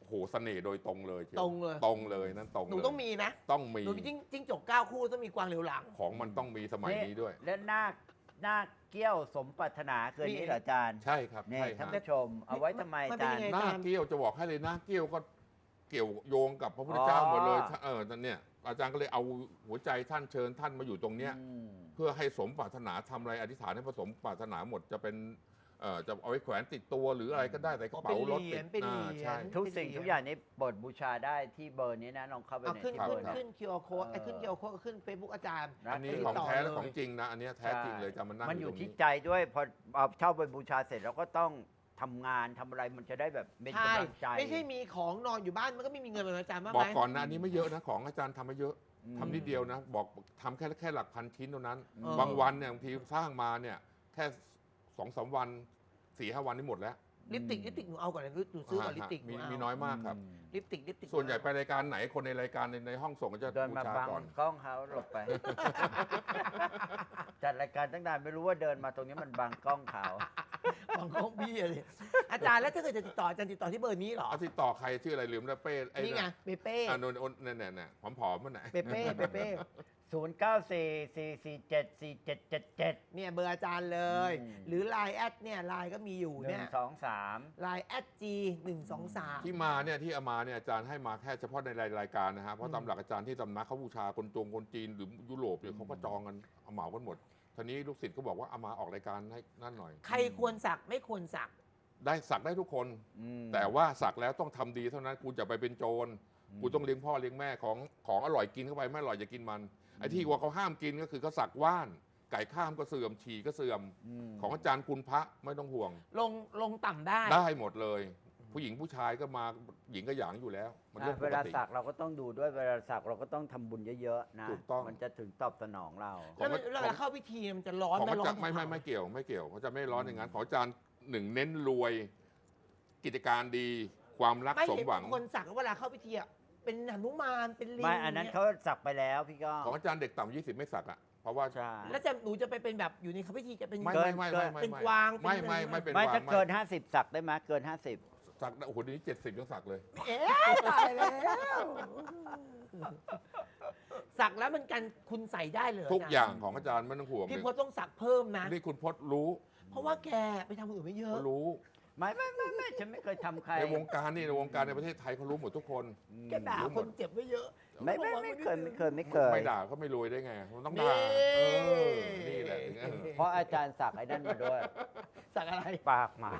Speaker 3: โหเสน่ห์โดยตรงเลยชีว
Speaker 1: ตรงเลย
Speaker 3: ตรงเลยนั่นตรง
Speaker 1: หนู
Speaker 3: เลย
Speaker 1: ต้องมีนะ
Speaker 3: ต้องมี
Speaker 1: หนูมีจิ้งจิ้งจกเก้าคู่ต้องมีกวางเหลียวหลัง
Speaker 3: ของมันต้องมีสมัยนี้ด้วย
Speaker 2: และหน้าหน้าเกี้ยวสมปรารถนาคืน
Speaker 1: นี่
Speaker 2: นี้เหรออาจารย์
Speaker 3: ใช่ครับ
Speaker 2: นี่
Speaker 3: ใช่
Speaker 2: ท่าน
Speaker 3: ฮะ
Speaker 2: ผู้ชม เอาไว้ทำไม
Speaker 1: มั
Speaker 2: อาน
Speaker 1: เป็น
Speaker 2: จาร
Speaker 1: ยัง
Speaker 2: ย์
Speaker 1: ไง
Speaker 3: หน้าเกี้ยวจะบอกให้เลยหน้าเกี้ยวก็เกี่ยวโยงกับพระพุทธเจ้า
Speaker 2: อ๋อ
Speaker 3: หมดเลยเออนั่นเนี่ยอาจารย์ก็เลยเอาหัวใจท่านเชิญท่านมาอยู่ตรงเนี้ย
Speaker 2: อืม
Speaker 3: เพื่อให้สมปรารถนาทำอะไรอธิษฐานให้ผสมปรารถนาหมดจะเป็นเอ่อจะเอาไว้แขวนติดตัวหรืออะไรก็ได้ใส่กระเป๋ารถติด
Speaker 1: เป็นเหรี
Speaker 3: อ่าย
Speaker 1: ญ
Speaker 3: ใช่
Speaker 2: ทุกสิ่งทุกอย่างนี้เปิดบูชาได้ที่เบอร์นี้นะลองเข้าไป
Speaker 1: เอา
Speaker 2: ใน
Speaker 1: ขึ้น
Speaker 2: ที่เบ
Speaker 1: ขึ้
Speaker 2: อน ร์นี้
Speaker 1: ขึ้น คิว อาร์ code ไอ้ขึ้น คิว อาร์ code ก็ขึ้น Facebook อาจารย์
Speaker 2: นะ
Speaker 3: อันนี้
Speaker 1: ติด
Speaker 3: ของ
Speaker 1: ต่อ
Speaker 3: แท้และ
Speaker 1: เลย
Speaker 3: ของจริงนะอันเนี้ยแท้จริงเลยจะมานั่ง
Speaker 2: มันอยู่
Speaker 3: ตรง
Speaker 2: ที่ใจด้วยพอเอาเช่าไปบูชาเสร็จเราก็ต้องทำงานทำอะไรมันจะได้แบบเป็น
Speaker 1: ใช่
Speaker 2: กำลังใจ
Speaker 1: ไม่ใช่มีของนอนอยู่บ้านมันก็ไม่มีเงินเหมือนอาจารย์บ้าง
Speaker 3: บ
Speaker 1: ไห
Speaker 3: อ
Speaker 1: ม
Speaker 3: กก่อนนะอันนี้ไม่เยอะนะของอาจารย์ทำมาเยอะ
Speaker 2: อืม
Speaker 3: ทำนิดเดียวนะ บอกทำแค่แค่หลักพันชิ้นเท่านั้น
Speaker 1: เออ
Speaker 3: บางวันเนี่ยบางทีสร้างมาเนี่ยแค่สองสามวันสี่ห้าวันนี่หมดแล้ว
Speaker 1: ลิปติกลิปติกหนูเอาก่อนนะหนูซื้อก่อนลิปติกห
Speaker 3: มี
Speaker 1: นูเอา
Speaker 3: มีน้อยมากครับ
Speaker 1: ลิปติกลิปติก
Speaker 3: ส่วนใหญ่ไปรายการไหนคนในรายการในในห้องส่งก็จะ
Speaker 2: เดิน
Speaker 3: บู
Speaker 2: มา
Speaker 3: ชา
Speaker 2: บัง
Speaker 3: ก่อน
Speaker 2: กล้องเขาหลบไป จัดรายการตั้งนานไม่รู้ว่าเดินมาตรงนี้มันบังกล้องเขา
Speaker 1: บางของพี่เลยอาจารย์แล้วถ้าเกิดจะติดต่ออาจารย์ติดต่อที่เบอร์นี้เหรอ
Speaker 3: เอาติดต่อใครชื่ออะไรลืมแล้วเป้ไอ้
Speaker 1: นี่ไงเปเป้
Speaker 3: อ่ะนนนนเนี่ยเนี่ยผอมๆมันไหน
Speaker 1: เปเป้เปเป้
Speaker 2: ศูนย์ เก้า สี่ สี่ สี่ เจ็ด สี่ เจ็ด เจ็ด เจ็ด
Speaker 1: เนี่ยเบอร์อาจารย์เลย
Speaker 2: อืม
Speaker 1: หรือ Line แอดเนี่ยไลน์ก็มีอยู่
Speaker 2: ห
Speaker 1: เนี่
Speaker 2: นึ่
Speaker 1: ย
Speaker 2: งสองสาม
Speaker 1: Line แอด G หนึ่งสองสาม
Speaker 3: ที่มาเนี่ยที่เอามาเนี่ยอาจารย์ให้มาแค่เฉพาะในรายการนะฮะเพ
Speaker 1: อื
Speaker 3: ราะ
Speaker 1: ม
Speaker 3: ตามหลักอาจารย์ที่ตำนักเขาบูชาคนจงคนจีนหรือยุโรปเนี่ยเขาก็จองกันเอาเหมากันหมดทีนี้ลูกศิษย์ก็บอกว่าเอามาออกรายการให้นั่นหน่อย
Speaker 1: ใครควรสักไม่ควรสัก
Speaker 3: ได้สักได้ทุกคน
Speaker 2: อืม
Speaker 3: แต่ว่าสักแล้วต้องทำดีเท่านั้นกูจะไปเป็นโจร
Speaker 2: อืม
Speaker 3: กูต้องเลี้ยงพ่อเลี้ยงแม่ของของอร่อยกินเข้าไปไม่อร่อยอย่ากินมันไอ้ที่ว่าเขาห้ามกินก็คือเขาสักว่าน ไก่ข้ามก็เสื่อมฉี่ก็เสื่อม
Speaker 2: ม
Speaker 3: ของอาจารย์คุณพระไม่ต้องห่วง
Speaker 1: ลงลงต่ำได้
Speaker 3: ได้หมดเลย ผู้หญิงผู้ชายก็มาหญิงก็หยางอยู่แล้ว มันเรื่อง
Speaker 2: อ่ะ
Speaker 3: ป
Speaker 2: เว
Speaker 3: ก
Speaker 2: ลา
Speaker 3: ติ
Speaker 2: สักเราก็ต้องดูด้วยเวลาสักเราก็ต้องทำบุญเยอะๆนะ
Speaker 3: ถูกต้อง
Speaker 2: มันจะถึงตอบสนองเรา
Speaker 3: ของ
Speaker 1: แล้วมันเวลาเข้าพิธีมันจะร้อน
Speaker 3: ของ
Speaker 1: ไหม่
Speaker 3: อา
Speaker 1: ร้อ
Speaker 3: จาร
Speaker 1: น
Speaker 3: ย์ไม่ไม่ไม่เกี่ยวไม่เกี่ยวเขาจะไม่ร้อนอย่างนั้นของอาจารย์หนึ่งเน้นรวย กิจการดีความรัก
Speaker 1: ไม่
Speaker 3: สม
Speaker 1: เห็น
Speaker 3: หวัง
Speaker 1: บางคนสักแล้วเวลาเข้าพิธีอะเป็นหนุมานเป็นลิง
Speaker 2: ไม่อันนั้น
Speaker 1: ย
Speaker 2: เขาสักไปแล้วพี่ก้อง
Speaker 3: ของอาจารย์เด็กต่ำยี่สิบไม่สักอ่ะเพราะว่า
Speaker 2: ใช่
Speaker 1: แล้วจะหนูจะไปเป็นแบบอยู่ในเข้าพิธีจะเป็น
Speaker 3: ไม่
Speaker 2: เกิ
Speaker 3: ไม่
Speaker 2: น
Speaker 3: ไม่ไม่ไม่
Speaker 1: เป็น
Speaker 3: ไม่
Speaker 1: กวาง
Speaker 3: ไม่
Speaker 1: เป็น
Speaker 3: ไม่
Speaker 1: อะไร
Speaker 3: ไม่เป็น
Speaker 2: ไม่
Speaker 3: วาง
Speaker 2: ถ้าเกิน ห้าสิบสักได้ไหมเกิน ห้าสิบ
Speaker 3: สักได้โอ้โหเดี๋ยวนี้เจ็ดสิบยังสักเลย
Speaker 1: เอ๊ะตายแล้วสักแล้วมันกันคุณใส่ได้เลย
Speaker 3: ทุกอย่างของอาจารย์ไม่ต้องห่วง
Speaker 1: พี่
Speaker 3: เลย
Speaker 1: พจน์ต้องสักเพิ่มนะ
Speaker 3: นี่คุณพจน์รู้
Speaker 1: เพราะว่าแกไปทำคนอื่นไม่เยอะ
Speaker 3: เขารู้
Speaker 2: ไม่ไม่ไม่ไม่ฉันไม่เคยทำใคร
Speaker 3: ในวงการนี่ในวงการในประเทศไทยเขารู้หมดทุกคน
Speaker 2: อืม
Speaker 1: แกด่าคนเจ็บไว้เยอะ
Speaker 2: ไม่ไม่ไม่เคยไม่เคยไม่เคย
Speaker 3: ไม่ด่าเขาไม่รวยได้ไงมันต้อง
Speaker 1: นี่
Speaker 3: ด่าเออนี่แหละถึงเออ
Speaker 2: เพราะอาจารย์สักไอ้นั่นมาด้วย
Speaker 1: สักอะไร
Speaker 2: ปากหมา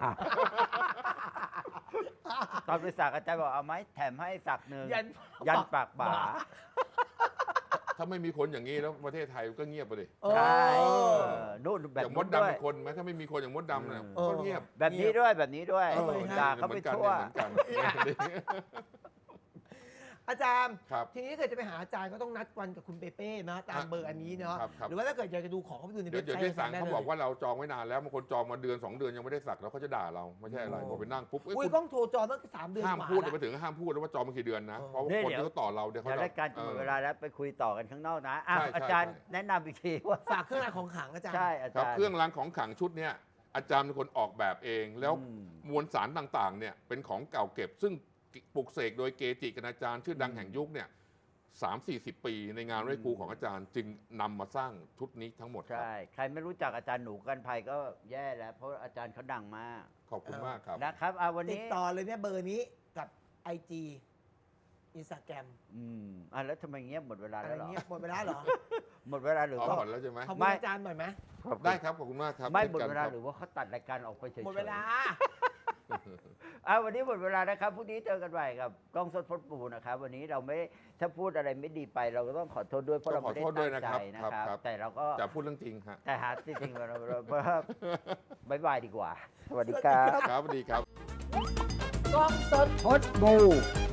Speaker 2: ตอนไปสักอาจารย์บอกเอาไหมแถมให้สักหนึ่ง
Speaker 1: ยัน
Speaker 2: ยันปากหมา
Speaker 3: ถ้าไม่มีคนอย่างนี้แล้วประเทศไทยก็เงียบไปเลย
Speaker 1: เออ
Speaker 2: ใช่เออนู่นแบ
Speaker 3: อบ ย่างม
Speaker 2: นู้
Speaker 3: ด
Speaker 2: น
Speaker 3: ดำ
Speaker 2: ด้วย
Speaker 3: เป็นคนไหมถ้าไม่มีคนอย่างมดดำเนี่ย
Speaker 1: เออ
Speaker 3: ก็เงียบ
Speaker 2: แบบนี้ด้วยแบบนี้ด้วย
Speaker 3: เออ
Speaker 2: ด่าเขาไปทั่ว
Speaker 3: เหมือนกันเหมือนกัน
Speaker 1: อาจารย์
Speaker 3: ครับ
Speaker 1: ทีนี้ถ้าเกิดจะไปหาอาจารย์ก็ต้องนัดวันกับคุณเปเป้นะตามเบอร์อันนี้เนาะ
Speaker 3: ครับครับ
Speaker 1: หรือว่าถ้าเกิดอยากจะดูของก็ไปดูใน
Speaker 3: เดี๋ย
Speaker 1: เว็
Speaker 3: ว
Speaker 1: บ
Speaker 3: เดี๋ยว
Speaker 1: ไซต์
Speaker 3: ที่สั่ง
Speaker 1: ได้
Speaker 3: เขา
Speaker 1: เลย
Speaker 3: บอกว่าเราจองไว้นานแล้วบางคนจองมาเดือนสองเดือนยังไม่ได้สักแล้วเขาจะด่าเราไม่ใช่อะไร
Speaker 1: โอ้
Speaker 3: พอไปนั่งปุ๊บเอ้ย
Speaker 1: อุ้ย
Speaker 3: คุณ
Speaker 1: กล้องโทรจองตั้งสามเดือน
Speaker 3: ห้าม
Speaker 1: กว่า
Speaker 3: พูด
Speaker 1: แล้ว
Speaker 3: ไปถึงห้ามพูดแล้วว่าจองมากี่เดือนนะ
Speaker 1: เออ
Speaker 3: เพราะว่า
Speaker 2: นี่
Speaker 3: คน
Speaker 2: เดี๋ยว
Speaker 3: ที่เขาต่อเราเดี๋ยวเขา
Speaker 2: เดี๋ยว
Speaker 3: จะ
Speaker 2: รายการจะหมด
Speaker 3: ออ
Speaker 2: เวลาแล้วไปคุยต่อกันข้างนอกนะอ่ะ
Speaker 3: ใช่ใช่
Speaker 2: อาจารย์
Speaker 3: ใช่
Speaker 2: แนะนำอีกทีว่า
Speaker 1: ฝากเครื่องรางของขลังอาจารย์
Speaker 2: ใช่อา
Speaker 3: ครั
Speaker 2: จา
Speaker 3: บ
Speaker 2: รย์
Speaker 3: เครื่องรางของขลังชุดเนี้ยอาจารย์เป็นคนออกแบบเอง แล้ว
Speaker 2: อืม
Speaker 3: มวลสารต่างๆเนี่ยเป็นของเก่าเก็บ ซึ่งปลุกเสกโดยเกจิคณาจารย์ชื่อดัง
Speaker 2: อืม
Speaker 3: แห่งยุคเนี่ยสามสี่สิบปีในงานไหว้ครูของอาจารย์ จึงนำมาสร้างชุดนี้ทั้งหมดครับ
Speaker 2: ใช่ ใครไม่รู้จักอาจารย์หนูกันภัยก็แย่แล้ว เพราะอาจารย์เขาดังมาก
Speaker 3: ขอบคุณมากครับ
Speaker 2: นะครับเอาวัน
Speaker 1: ติด
Speaker 2: นี้
Speaker 1: ต่อเลยเนี่ยเบอร์นี้กับ ไอ จี Instagram
Speaker 2: อืมอ่ะแล้วทำไมเงียบหมดเวลา
Speaker 1: อะไร
Speaker 2: แล้วเหรอ
Speaker 1: เงี้ยหมดเวลาเหรอ
Speaker 2: หมดเวลาหรือ
Speaker 3: อ๋อ
Speaker 2: ว่า
Speaker 3: หมดแล้วใช่ไหม
Speaker 1: ขอบคุ
Speaker 2: ไม่
Speaker 1: ณอาจารย์หน่อยไหม
Speaker 3: ได้ครับขอบคุณมากครับ
Speaker 2: ไม่
Speaker 3: ช่น
Speaker 2: หมด
Speaker 3: กัน
Speaker 2: เวลา
Speaker 3: ครับ
Speaker 2: หรือว่าเขาตัดรายการออกไปเฉยๆ
Speaker 1: หมดเวลา
Speaker 2: อ่ะวันนี้หมดเวลานะครับพรุ่งนี้เจอกันใหม่กับกล้องสดพดปูนะครับ วันนี้เราไม่ถ้าพูดอะไรไม่ดีไป เราก็ต้องขอโทษด้วยเพราะเราไม่ได้ตั้งใจนะครับ แต่เราก็
Speaker 3: จะพูดเรื่องจริงฮะ
Speaker 2: แต่หาจริงๆเราเราบายบายดีกว่า สวัสดีครับ
Speaker 3: ครับสวัสดีครับ
Speaker 1: กล้องสด
Speaker 2: พดบู